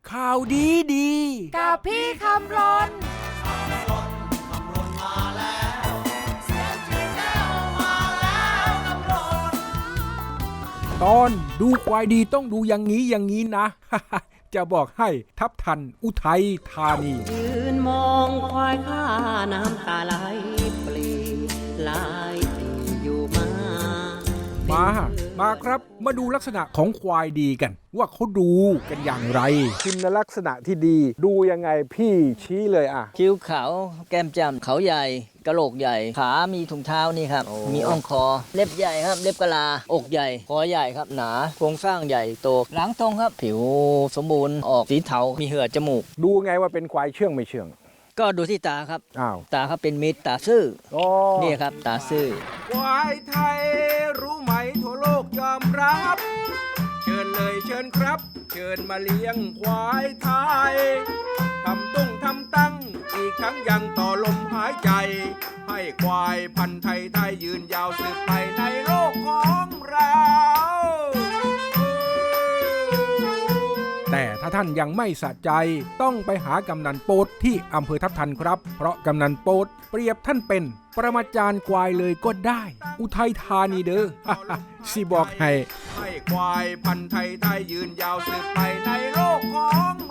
ข่าวดีดีกับพี่คำรนตอนดูควายดีต้องดูอย่างนี้นะ จะบอกให้ทับทันอุทัยธานียืนมองควายข้าน้ำตาไหลปลีหลายปีอยู่มาครับมาดูลักษณะของควายดีกันว่าเขาดูกันอย่างไรคุณลักษณะที่ดีดูยังไงพี่ชี้เลยอ่ะคิ้วขาวแก้มจ้ำเขาใหญ่กระโหลกใหญ่ขามีถุงเท้านี่ครับมีอ่องคอเล็บใหญ่ครับเล็บกะลาอกใหญ่คอใหญ่ครับหนาโครงสร้างใหญ่โตหลังตรงครับผิวสมบูรณ์ออกสีเทามีเหือกจมูกดูไงว่าเป็นควายเชื่องไม่เชื่องก็ดูที่ตาครับอ้าวตาครับเป็นมิตรตาซื่อนี่ครับตาซื่อควายไทยรู้ไหมทั่วโลกยอมรับเชิญเลยเชิญครับเชิญมาเลี้ยงควายไทยทำตั้งอีกทั้งยังต่อลมหายใจให้ควายพันธุ์ไทยยืนยาวสืบไปในโลกของเราแต่ถ้าท่านยังไม่สะใจต้องไปหากำนันโป๊ดที่อำเภอทับทันครับเพราะกำนันโป๊ดเปรียบท่านเป็นปรมาจารย์ควายเลยก็ได้อุทัยธานีเด้อ สิบอกให้ควายพันธุ์ไทยยืนยาวสืบไปในโลกของ